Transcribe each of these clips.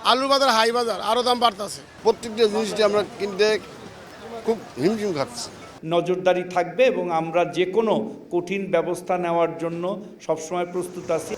আলুর বাজার হাই বাজার, আরও দাম বাড়তেছে। প্রত্যেকটা জিনিসটি আমরা কিনতে খুব হিমশিম খাচ্ছি। নজরদারি থাকবে এবং আমরা যে কোনো কঠিন ব্যবস্থা নেওয়ার জন্য সবসময় প্রস্তুত আছি।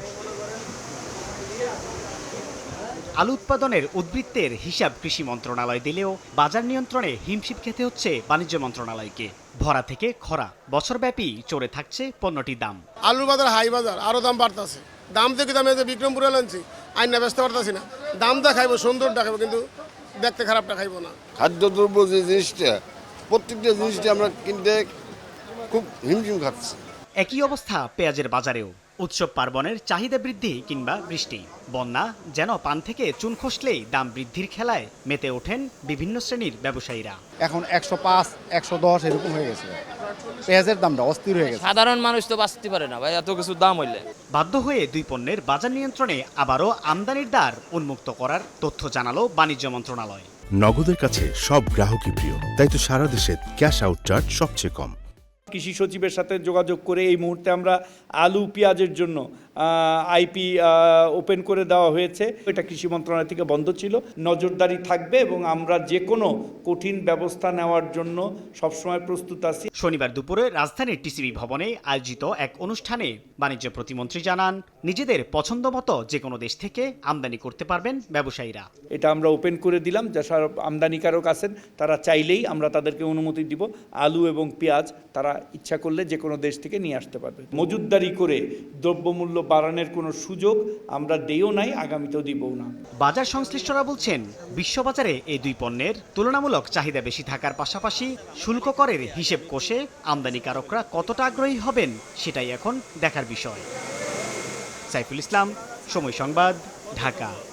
আলু উৎপাদনের উদ্বৃত্তের হিসাব কৃষি মন্ত্রণালয় দিলেও বাজার নিয়ন্ত্রণে হিমশিম খেতে হচ্ছে বাণিজ্য মন্ত্রণালয়কে। ভরা থেকে খরা বছরব্যাপী চড়ে থাকছে পণ্যটির দাম। আলুর বাজার হাই বাজার, আরও দাম বাড়তেছে। দাম দেখি দামে যে বিক্রমপুরে আনছি আইন না ব্যস্ত পারতেছি না। দামটা খাইবো, সুন্দরটা খাইবো, কিন্তু দেখতে খারাপটা খাইবো না। খাদ্যদ্রব্য যে জিনিসটা, প্রত্যেকটা জিনিসটি আমরা কিনতে খুব হিমশিম খাচ্ছি। একই অবস্থা পেঁয়াজের বাজারেও। উৎসব পার্বণের চাহিদা বৃদ্ধি কিংবা বৃষ্টি, বন্যা যেন পান থেকে চুন খসলেই দাম বৃদ্ধির খেলায় মেতে ওঠেন বিভিন্ন শ্রেণীর ব্যবসায়ীরা। এখন 105, 110 এরকম হয়ে গেছে। পেঁয়াজের দামটা অস্থির হয়ে গেছে। সাধারণ মানুষ তো বাঁচতে পারে না ভাই, এত কিছু দাম হইলে। বাধ্য হয়ে দুই পণ্যের বাজার নিয়ন্ত্রণে আবারও আমদানির দ্বার উন্মুক্ত করার তথ্য জানালো বাণিজ্য মন্ত্রণালয়। নগদের কাছে সব গ্রাহকই প্রিয়, তাই তো সারা দেশে ক্যাশ আউট চার্জ সবচেয়ে কম। কৃষি সচিবের সাথে যোগাযোগ করে এই মুহূর্তে আমরা আলু পেঁয়াজের জন্য আইপি ওপেন করে দেওয়া হয়েছে। এটা কৃষি মন্ত্রণালয় থেকে বন্ধ ছিল। নজরদারি থাকবে এবং আমরা যে কোনো কঠিন ব্যবস্থা নেওয়ার জন্য সবসময় প্রস্তুত আছি। শনিবার দুপুরে রাজধানীর টিসিবি ভবনে আয়োজিত এক অনুষ্ঠানে বাণিজ্য প্রতিমন্ত্রী জানান, নিজেদের পছন্দ মতো যে কোনো দেশ থেকে আমদানি করতে পারবেন ব্যবসায়ীরা। এটা আমরা ওপেন করে দিলাম, যারা আমদানিকারক আছেন তারা চাইলেই আমরা তাদেরকে অনুমতি দিব। আলু এবং পেঁয়াজ তারা ইচ্ছা করলে যে কোনো দেশ থেকে নিয়ে আসতে পারবে। মজুতদারি করে দ্রব্যমূল্য বাড়ানোর কোনো সুযোগ আমরা দেইও নাই, আগামীতেও দিবও না। বাজার সংশ্লিষ্টরা বলছেন, বিশ্ববাজারে এই দুই পণ্যের তুলনামূলক চাহিদা বেশি থাকার পাশাপাশি শুল্ক করের হিসেব কষে আমদানিকারকরা কতটা আগ্রহী হবেন সেটাই এখন দেখার বিষয়। সাইফুল ইসলাম, সময় সংবাদ, ঢাকা।